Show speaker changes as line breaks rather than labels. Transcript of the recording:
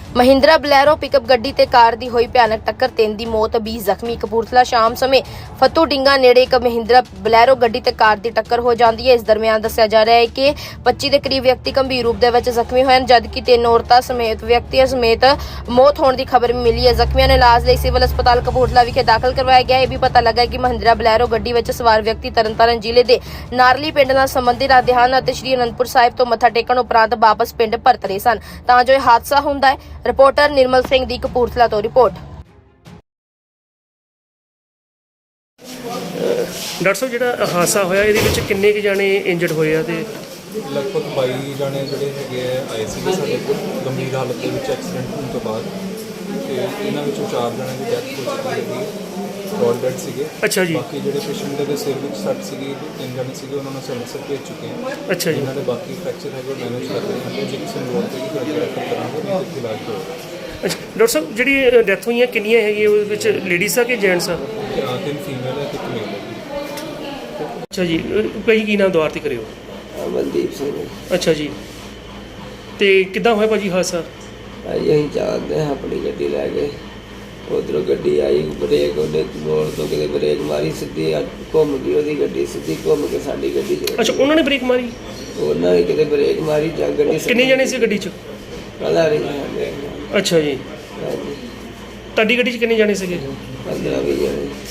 Mahindra Bolero pickup गड्डी ते car दी होई भयानक टक्कर, 3 दी मौत, 20 ਜ਼ਖਮੀ। कपूरथला शाम समय फतू डिंगा नेड़े एक महिंद्रा बलैरो गड्डी ते कार दी टक्कर हो जाती है। इस दरमियान दस्सिया जा रहा है कि 25 ਦੇ करीब व्यक्ति गंभीर रूप ਦੇ ਵਿੱਚ ਜ਼ਖਮੀ ਹੋਏ ਹਨ, जबकि 3 ਔਰਤਾਂ ਸਮੇਤ ਵਿਅਕਤੀਆਂ ਸਮੇਤ ਮੌਤ ਹੋਣ ਦੀ ਖਬਰ ਮਿਲੀ ਹੈ। ਜ਼ਖਮੀਆਂ ਨੂੰ ਇਲਾਜ ਲਈ ਸਿਵਲ ਹਸਪਤਾਲ ਕਪੂਰਥਲਾ ਵਿਖੇ ਦਾਖਲ ਕਰਵਾਇਆ ਗਿਆ ਹੈ। ਇਹ ਵੀ ਪਤਾ ਲੱਗਾ ਕਿ महिंद्रा ਬਲੈਰੋ ਗੱਡੀ ਵਿੱਚ ਸਵਾਰ ਵਿਅਕਤੀ ਤਰਨਤਾਰਨ ਜ਼ਿਲ੍ਹੇ ਦੇ ਨਾਰਲੀ ਪਿੰਡ ਨਾਲ ਸੰਬੰਧਿਤ ਰੱਖਦੇ ਹਨ ਅਤੇ ਸ਼੍ਰੀ ਅਨੰਦਪੁਰ ਸਾਹਿਬ ਤੋਂ ਮੱਥਾ ਟੇਕਣ ਉਪਰੰਤ ਵਾਪਸ ਪਿੰਡ ਪਰਤ ਰਹੇ ਸਨ ਤਾਂ ਜੋ ਇਹ ਹਾਦਸਾ ਹੁੰਦਾ ਹੈ। ਰਿਪੋਰਟਰ निर्मल सिंह दी कपूरथला तो रिपोर्ट।
डॉक्टर साहब ਜਿਹੜਾ ਹਾਦਸਾ ਹੋਇਆ ਇਹਦੇ ਵਿੱਚ ਕਿੰਨੇ ਕੁ ਜਾਣੇ ਇੰਜਰਡ ਹੋਏ ਆ ਤੇ
ਲਗਭਗ 22 ਜਾਣੇ ਜਿਹੜੇ ਹੈਗੇ ਆਏ ਸੀਗੇ ਸਾਡੇ ਕੋਲ ਗੰਭੀਰ ਹਾਲਤ ਦੇ ਵਿੱਚ ਐਕਸੀਡੈਂਟ ਹੋਣ ਤੋਂ ਬਾਅਦ ਤੇ ਇਹਨਾਂ ਵਿੱਚੋਂ 4 ਜਣਿਆਂ ਦੀ ਡੈਥ ਹੋ ਚੁੱਕੀ ਹੈਗੀ, ਰੋਡ ਡੈਡ ਸੀਗੇ।
ਅੱਛਾ ਜੀ।
ਬਾਕੀ ਜਿਹੜੇ ਪੇਸ਼ੈਂਟ ਦੇ ਸਿਰ ਵਿੱਚ ਸੱਟ ਸੀਗੀ 3 ਜਣੇ ਸੀਗੇ, ਉਹਨਾਂ ਨੂੰ ਅੰਮ੍ਰਿਤਸਰ ਭੇਜ ਚੁੱਕੇ ਹਾਂ।
ਅੱਛਾ ਜੀ।
ਇਹਨਾਂ ਦੇ ਬਾਕੀ ਫ੍ਰੈਕਚਰ ਹੈਗੇ ਮੈਨੇਜ ਕਰ ਰਹੇ ਹਾਂ, ਜੇ ਕਿਸੇ ਨੂੰ ਲੋੜ ਪਏਗੀ ਫਿਰ ਰੈਫਰ ਕਰਾਂਗੇ, ਨਹੀਂ ਤੇ ਇਲਾਜ ਕਰੋ।
ਅੱਛਾ ਡਾਕਟਰ ਸਾਹਿਬ ਜਿਹੜੀ ਡੈਥ ਹੋਈਆਂ ਕਿੰਨੀਆਂ ਹੈਗੀਆਂ ਉਹਦੇ ਵਿੱਚ ਲੇਡੀਜ਼ ਆ ਕਿ ਜੈਂਟਸ ਆ?
3 ਫੀਮੇਲ ਹੈ ਤੇ 1 ਮੇਲ ਹੈ।
ਅੱਛਾ ਜੀ। ਭਾਈ ਕੀ ਨਾਮ ਦੁਆਰ ਤੇ ਕਰਿਓ?
ਅਮਨਦੀਪ ਸਿੰਘ।
ਅੱਛਾ ਜੀ। ਤੇ ਕਿੱਦਾਂ ਹੋਇਆ ਭਾਜੀ ਹਾਦਸਾ?
ਭਾਈ ਅਸੀਂ ਚਾਹਦੇ ਹਾਂ ਆਪਣੀ ਗੱਡੀ ਲੈ ਕੇ, ਉਧਰੋਂ ਗੱਡੀ ਆਈ, ਬ੍ਰੇਕ ਉਹਨੇ ਮੋੜ ਤੋਂ ਕਿਤੇ ਬ੍ਰੇਕ ਮਾਰੀ, ਸਿੱਧੀ ਘੁੰਮ ਗਈ ਉਹਦੀ ਗੱਡੀ, ਸਿੱਧੀ ਘੁੰਮ ਕੇ ਸਾਡੀ ਗੱਡੀ 'ਚ।
ਅੱਛਾ ਉਹਨਾਂ ਨੇ ਬ੍ਰੇਕ ਮਾਰੀ?
ਉਹਨਾਂ ਨੇ ਕਿਤੇ ਬ੍ਰੇਕ ਮਾਰੀ ਜਾਂ ਗੱਡੀ।
ਕਿੰਨੇ ਜਣੇ ਸੀ ਗੱਡੀ 'ਚ?
ਪਤਾ ਨਹੀਂ।
ਅੱਛਾ ਜੀ।
ਹਾਂਜੀ,
ਤੁਹਾਡੀ ਗੱਡੀ 'ਚ ਕਿੰਨੇ ਜਣੇ ਸੀਗੇ?
15-20 ਜਣੇ।